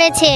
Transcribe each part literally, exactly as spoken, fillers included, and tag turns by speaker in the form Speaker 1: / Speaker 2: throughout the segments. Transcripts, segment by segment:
Speaker 1: হয়েছে?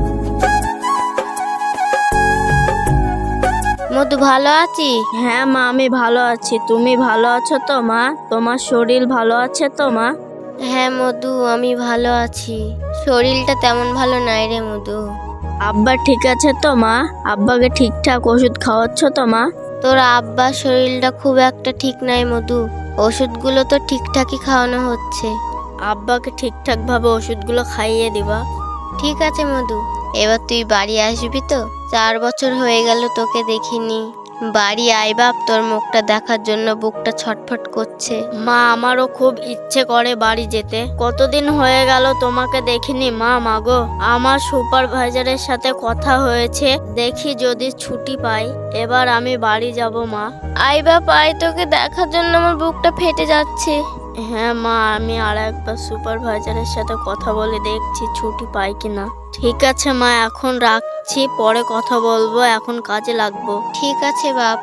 Speaker 1: মধু ভালো আছি?
Speaker 2: হ্যাঁ মা, আমি ভালো আছি। তুমি ভালো আছো তো মা? তোমার শরীর ভালো আছে তো মা?
Speaker 1: হ্যাঁ মধু, আমি ভালো আছি। শরীরটা তেমন ভালো নাই রে মধু।
Speaker 2: আব্বা ঠিক আছে তো মা? আব্বাকে ঠিকঠাক ওষুধ খাওয়াচ্ছ তো মা?
Speaker 1: তোর আব্বার শরীরটা খুব একটা ঠিক নাই মধু। ওষুধগুলো তো ঠিকঠাকই খাওয়ানো হচ্ছে।
Speaker 2: আব্বাকে ঠিকঠাক ভাবে ওষুধগুলো খাইয়ে দিবা।
Speaker 1: ঠিক আছে মধু। এবার তুই বাড়ি আসবি তো? চার বছর হয়ে গেল তোকে দেখিনি। বাড়ি আয় বাপ, তোর মুখটা দেখার জন্য বুকটা ছটফট করছে।
Speaker 2: মা, আমারও খুব ইচ্ছে করে বাড়ি যেতে। কতদিন হয়ে গেল তোমাকে দেখিনি মা। মাগো, আমার সুপারভাইজারের সাথে কথা হয়েছে, দেখি যদি ছুটি পাই এবার আমি বাড়ি যাব মা।
Speaker 1: আয় বাপ আয়, তোকে দেখার জন্য আমার বুকটা ফেটে যাচ্ছে।
Speaker 2: হ্যাঁ মা, আমি আর একবার সুপারভাইজারের সাথে কথা বলে দেখছি ছুটি পাই কিনা। ঠিক আছে মা, এখন রাখছি, পরে কথা বলবো, এখন কাজে লাগবো।
Speaker 1: ঠিক আছে বাপ।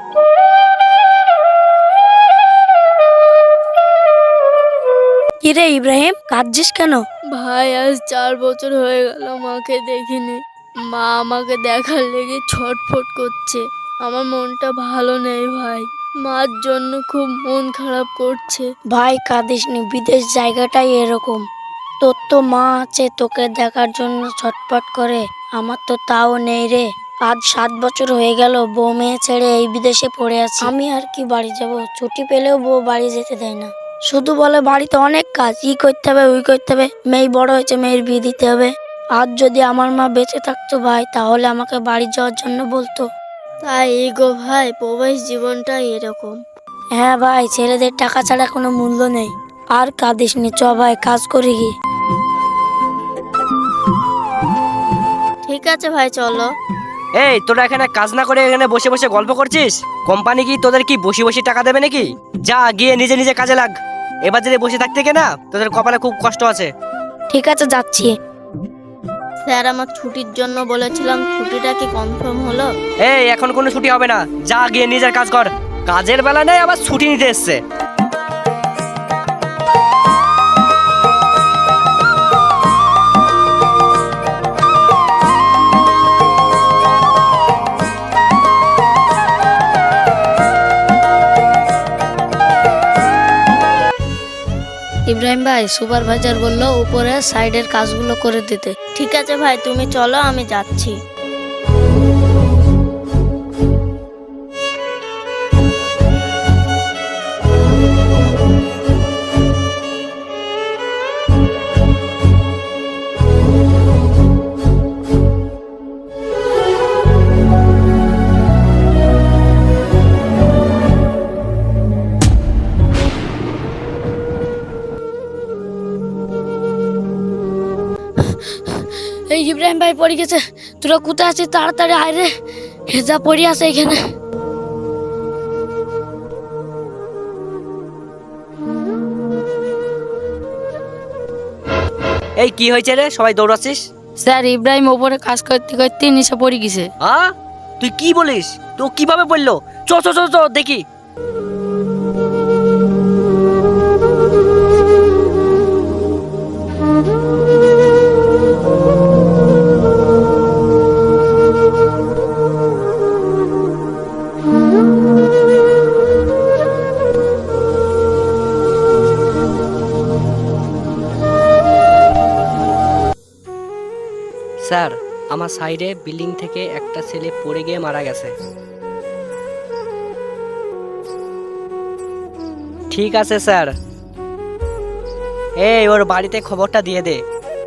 Speaker 3: কিরে ইব্রাহিম, কাঁদছিস কেন?
Speaker 2: ভাই, আজ চার বছর হয়ে গেল মাকে দেখিনি। মা আমাকে দেখার লেগে ছটফট করছে। আমার মনটা ভালো নেই ভাই। মার জন্য খুব মন খারাপ করছে।
Speaker 3: ভাই কাঁদিসনি, বিদেশ জায়গাটাই এরকম। তোর তো মা আছে তোকে দেখার জন্য ছটফট করে, আমার তো তাও নেই রে। আজ সাত বছর হয়ে গেল বউ মেয়ে ছেড়ে এই বিদেশে পড়ে আছি। আমি আর কি বাড়ি যাব? ছুটি পেলেও বউ বাড়ি যেতে দেয় না। শুধু বলে বাড়িতে অনেক কাজ, ই করতে হবে ওই করতে হবে, মেয়ে বড় হয়েছে মেয়ের বিয়ে দিতে হবে। আজ যদি আমার মা বেঁচে থাকতো ভাই, তাহলে আমাকে বাড়ি যাওয়ার জন্য বলতো।
Speaker 2: তাই গো ভাই, প্রবাস জীবনটা এরকম।
Speaker 3: হ্যাঁ ভাই, ছেলেদের টাকা ছাড়া কোনো মূল্য নেই। আর কাঁদিসনি, চ ভাই কাজ করি গি।
Speaker 2: ঠিক আছে ভাই, চলো।
Speaker 4: এই, তোরা এখানে কাজ না করে এখানে বসে বসে গল্প করছিস? কোম্পানি কি তোদের কি বসে বসে টাকা দেবে নাকি? যা গিয়ে নিজে নিজে কাজে লাগ। এবার যদি বসে থাকতে কে না, তোদের কপালে খুব কষ্ট আছে।
Speaker 3: ঠিক আছে যাচ্ছি।
Speaker 2: স্যার, আমার ছুটির জন্য বলেছিলাম, ছুটিটা কি কনফার্ম হলো?
Speaker 4: এই, এখন কোনো ছুটি হবে না, যা গিয়ে নিজের কাজ কর। কাজের বেলা নেই, আবার ছুটি নিতে এসছে।
Speaker 3: ইব্রাহিম ভাই, সুপারভাইজার বললো উপরে সাইডের কাজগুলো করে দিতে।
Speaker 2: ঠিক আছে ভাই, তুমি চলো, আমি যাচ্ছি।
Speaker 3: এই ইব্রাহিম ভাই পড়ে গেছে, তোরা কোথায় আছিস? তাড়াতাড়ি আয় রে, হেজা পড়ে আছে এখানে।
Speaker 4: এই কি হয়েছে রে, সবাই দৌড়াচ্ছিস?
Speaker 3: স্যার, ইব্রাহিম ওপরে কাজ করতে করতে নিচে পড়ে গেছে।
Speaker 4: আ তুই কি বলিস? তো কিভাবে বললো? চ চ চ চ দেখি। স্যার, আমার সাইডে বিল্ডিং থেকে একটা ছেলে পড়ে গিয়ে মারা গেছে। ঠিক আছে স্যার। এই, ওর বাড়িতে খবরটা দিয়ে দে।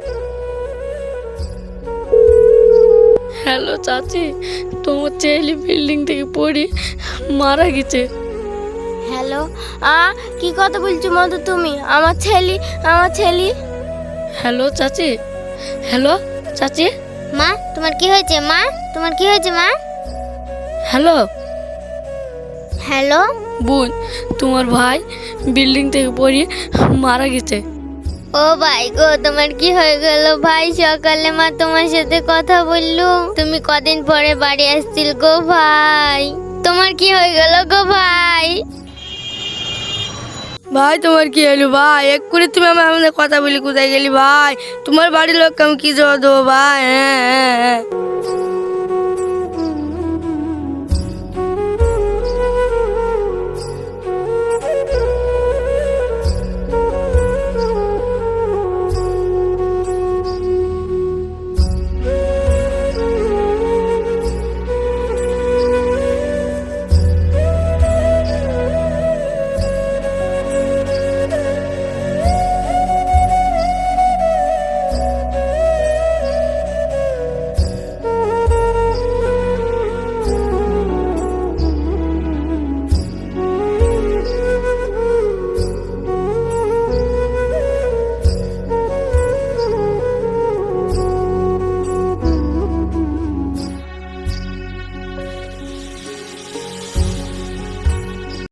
Speaker 3: হ্যালো চাচি, তোমার ছেলে বিল্ডিং থেকে পড়ে মারা গেছে।
Speaker 1: হ্যালো, আ কি কথা বলছো মধু তুমি? আমার ছেলে, আমার ছেলে।
Speaker 3: হ্যালো চাচি, হ্যালো চাচি।
Speaker 1: মা, তোমার কি হয়েছে? মা, তোমার কি হয়েছে? মা,
Speaker 3: হ্যালো
Speaker 1: হ্যালো।
Speaker 3: বোন, তোমার ভাই বিল্ডিং থেকে পড়ে মারা গেছে।
Speaker 1: ও ভাই গো, তোমার কি হয়ে গেল ভাই? সকালে মা তোমার সাথে কথা বললো, তুমি কদিন পরে বাড়ি আসছিল গো ভাই। তোমার কি হয়ে গেল গো ভাই?
Speaker 3: ভাই তোমার কি হলো ভাই? এক্ষুনি তুমি আমার আমাদের কথা বলি কোথায় গেলি ভাই? তোমার বাড়ির লোককে আমি কি জবাব দেবো ভাই? হ্যাঁ হ্যাঁ হ্যাঁ।